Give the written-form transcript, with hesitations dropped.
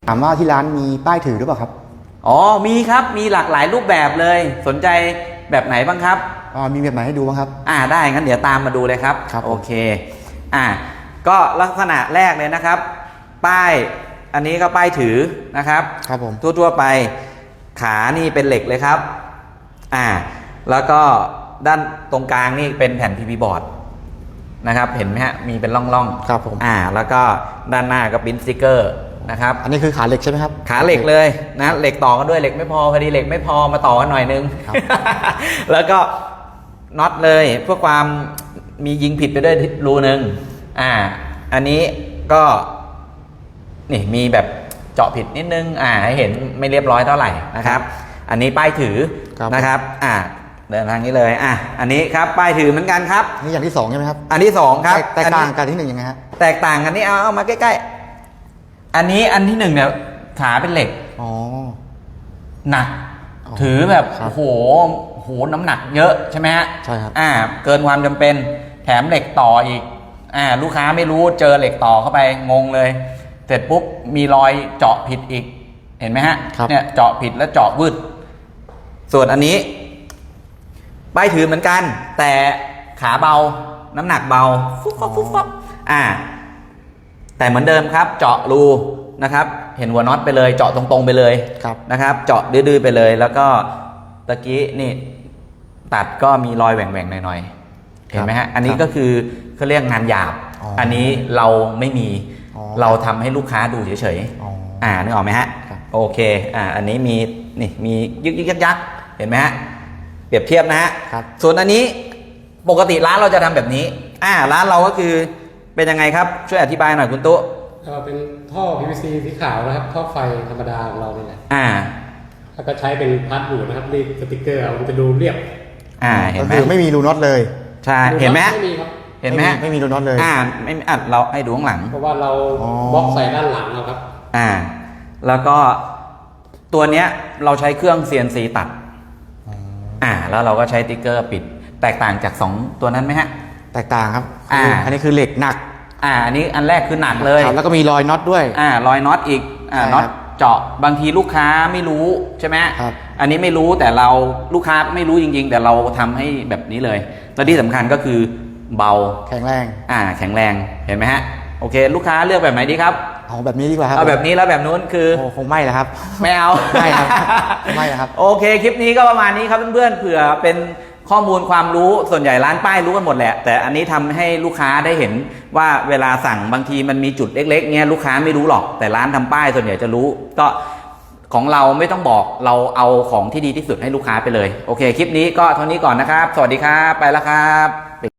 ถามว่าที่ร้านมีป้ายถือหรือเปล่าครับอ๋อมีครับมีหลากหลายรูปแบบเลยสนใจแบบไหนบ้างครับมีแบบไหนให้ดูบ้างครับได้งั้นเดี๋ยวตามมาดูเลยครับโอเคก็ลักษณะแรกเลยนะครับป้ายอันนี้ก็ป้ายถือนะครับครับผมทั่วๆไปขานี่เป็นเหล็กเลยครับแล้วก็ด้านตรงกลางนี่เป็นแผ่น PP บอร์ดนะครับเห็นไหมฮะมีเป็นร่องๆครับผมแล้วก็ด้านหน้าก็ปริ้นสติกเกอร์นะครับอันนี้คือขาเหล็กใช่ไหมครับขาเหล็กเลยนะเหล็กต่อกันด้วยเหล็กไม่พอดีเหล็กไม่พอมาต่อกันหน่อยนึง แล้วก็น็อตเลยเพื่อความมียิงผิดไปด้วยรูนึงอันนี้ก็นี่มีแบบเจาะผิดนิดนึงให้เห็นไม่เรียบร้อยเท่าไหร่นะครับอันนี้ป้ายถือนะครับเดินทางนี้เลยอันนี้ครับป้ายถือเหมือนกันครับนี่อย่างที่2ใช่ไหมครับอันที่2ครับแตกต่างกันที่1ยังไงฮะแตกต่างกันนี่เอามาใกล้ๆอันนี้อันที่1เนี่ยขาเป็นเหล็กหนักถือแบบโอ้โหน้ำหนักเยอะใช่ไหมฮะใช่ครับเกินความจำเป็นแถมเหล็กต่ออีกลูกค้าไม่รู้เจอเหล็กต่อเข้าไปงงเลยเสร็จปุ๊บมีรอยเจาะผิดอีกเห็นไหมฮะเนี่ยเจาะผิดแล้วเจาะวืดส่วนอันนี้ป้ายถือเหมือนกันแต่ขาเบาน้ำหนักเบาฟุ๊บฟับฟุ๊บฟับแต่เหมือนเดิมครับเจาะรูนะครับเห็นหัวน็อตไปเลยเจาะตรงๆไปเลยนะครับเจาะดื้อๆไปเลยแล้วก็ตะกี้นี่ตัดก็มีรอยแหว่งๆหน่อยๆเห็นไหมฮะอันนี้ก็คือเขาเรียกงานหยาบอันนี้เราไม่มีเราทำให้ลูกค้าดูเฉยๆนึกออกไหมฮะโอเคอันนี้มีนี่มียึกยักเห็นไหมฮะเปรียบเทียบนะฮะส่วนอันนี้ปกติร้านเราจะทำแบบนี้ร้านเราก็คือเป็นยังไงครับช่วยอธิบายหน่อยคุณตุ๊เป็นท่อ PVC สีขาวนะครับท่อไฟธรรมดาของเรานี่แหละแล้วก็ใช้เป็นพาร์ทอยู่นะครับรีดสติกเกอร์มันจะดูเรียบเห็นไหมไม่มีรูน็อตเลยใช่เห็นไหมไม่มีครับเห็นไหมไม่มีรูน็อตเลยไม่เราให้ดูข้างหลังเพราะว่าเราบล็อกใส่ด้านหลังเราครับแล้วก็ตัวเนี้ยเราใช้เครื่อง CNC ตัดแล้วเราก็ใช้ติ๊กเกอร์ปิดแตกต่างจาก2ตัวนั้นไหมฮะแตกต่างครับอันนี้คือเหล็กหนักอันนี้อันแรกคือหนักเลยแล้วก็มีรอยน็อตด้วยรอยน็อตอีกน็อตเจาะบางทีลูกค้าไม่รู้ใช่ไหมอันนี้ไม่รู้แต่เราลูกค้าไม่รู้จริงๆแต่เราทำให้แบบนี้เลยและที่สำคัญก็คือเบาแข็งแรงแข็งแรงเห็นไหมฮะโอเคลูกค้าเลือกแบบไหนดีครับเอาแบบนี้ดีกว่าครับเอาแบบนี้แล้วแบบนู้นคือคงไม่แล้วครับไม่เอาไม่ครับไม่ครับโอเคคลิปนี้ก็ประมาณนี้ครับเพื่อนๆเผื่อเป็นข้อมูลความรู้ส่วนใหญ่ร้านป้ายรู้กันหมดแหละแต่อันนี้ทำให้ลูกค้าได้เห็นว่าเวลาสั่งบางทีมันมีจุดเล็กๆเงี้ยลูกค้าไม่รู้หรอกแต่ร้านทำป้ายส่วนใหญ่จะรู้ก็ของเราไม่ต้องบอกเราเอาของที่ดีที่สุดให้ลูกค้าไปเลยโอเคคลิปนี้ก็เท่านี้ก่อนนะครับสวัสดีครับไปแล้วครับ